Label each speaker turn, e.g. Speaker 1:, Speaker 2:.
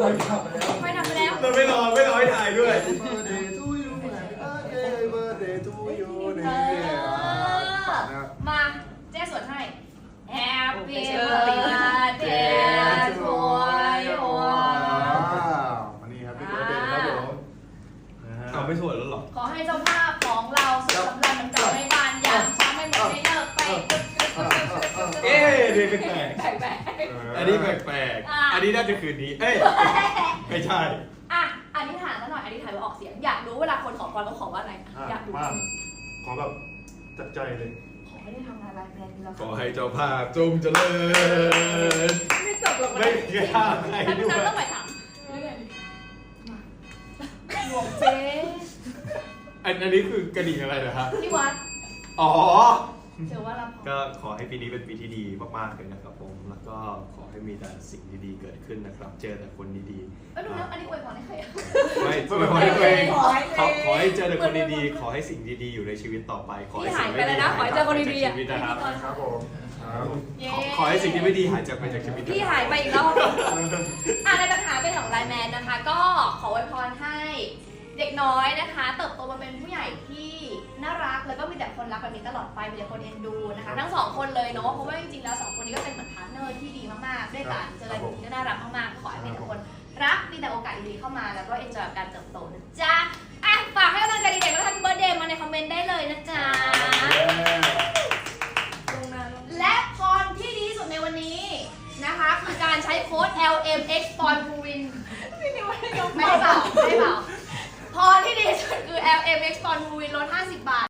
Speaker 1: ไม่ทำไปแล้ว
Speaker 2: เราไม่รอให้ถ่ายด้วย
Speaker 1: มาเจ๊สวดให้ Happy birthday to you
Speaker 3: วันนี้ครับพี่เบิร์ดเดย์ครับผม
Speaker 2: เอาไม่สวยแล้วหรอ
Speaker 1: ขอให้เจ้าภาพของเราสุขสำราญมันกลับไม่บานอย่างช้าไม่หมดไม่เลิกไป
Speaker 2: เอ๊ะดีแปลก
Speaker 1: แปลก
Speaker 2: อันนี้แปลกอันนี้น่าจะคืนนี้ เอ้ยไม่ใช่
Speaker 1: อ่ะอธิษฐานซะหน่อยอธิษฐานว่าออกเสียงอยากรู้เวลาคนขอพรเขาขอว่าอะไรอยากรู้
Speaker 3: มากขอแบบจัดใจเลย
Speaker 1: ขอให้ได้ทำงานรายแบรนด์เรา
Speaker 2: ขอให้เจ้าภาพจงเจริญ
Speaker 1: ไม่จบหรอก
Speaker 2: ไม่มีค่าให้
Speaker 1: แล้ว
Speaker 2: ด้วย
Speaker 1: นั้นต้องไปถามเรื่องหลวงเจ๊
Speaker 2: อันนี้คือกระดิ่งอะไรเหรอฮะ
Speaker 1: ที่วัด
Speaker 2: อ๋อ
Speaker 1: เจอว่ารับ
Speaker 2: ก็ขอให้ปีนี้เป็นปีที่ดีมากๆเลยนะครับผม แล้วก็ขอให้มีแต่สิ่งดีๆเกิดขึ้นนะครับ เจอแต่คนดีๆ
Speaker 1: ดูแล้วอันนี้อวยพรให้ใครอ่ะ
Speaker 2: ไม่ขอให้ตัวเองขอให้เจอแต่คนดีๆ ขอให้สิ่งดีๆ อยู่ในชีวิตต่อไป ขอให้สิ่งไม่ดีหายจากไปจากชีวิตนะครับ
Speaker 3: ครับผมครับ
Speaker 2: ขอให้สิ่งที่ไม่ดีหายจากไปจากชีวิต
Speaker 1: พี่หายไปอีกรอบในปัญหาเป็นของไลน์แมนนะคะ ก็ขออวยพรให้เด็กน้อยนะคะ เติบโตมาเป็นผู้ใหญ่ที่น่ารักแล้วก็มีแต่คนรักแบบนี้ตลอดไปมีแต่คนเอ็นดูนะคะทั้งสองคนเลยเนาะเพราะว่าจริงๆแล้วสองคนนี้ก็เป็นเหมือนพาร์ทเนอร์ที่ดีมากๆด้วยกันเจอกันก็น่ารักมากๆขอให้มีแต่คนรักมีแต่โอกาสดีๆเข้ามาแล้วก็เอ็นจอยกับการเติบโตนะจ๊ะฝากให้กำลังใจเด็กๆแล้วทำเบอร์เดย์มาในคอมเมนต์ได้เลยนะจ๊ะ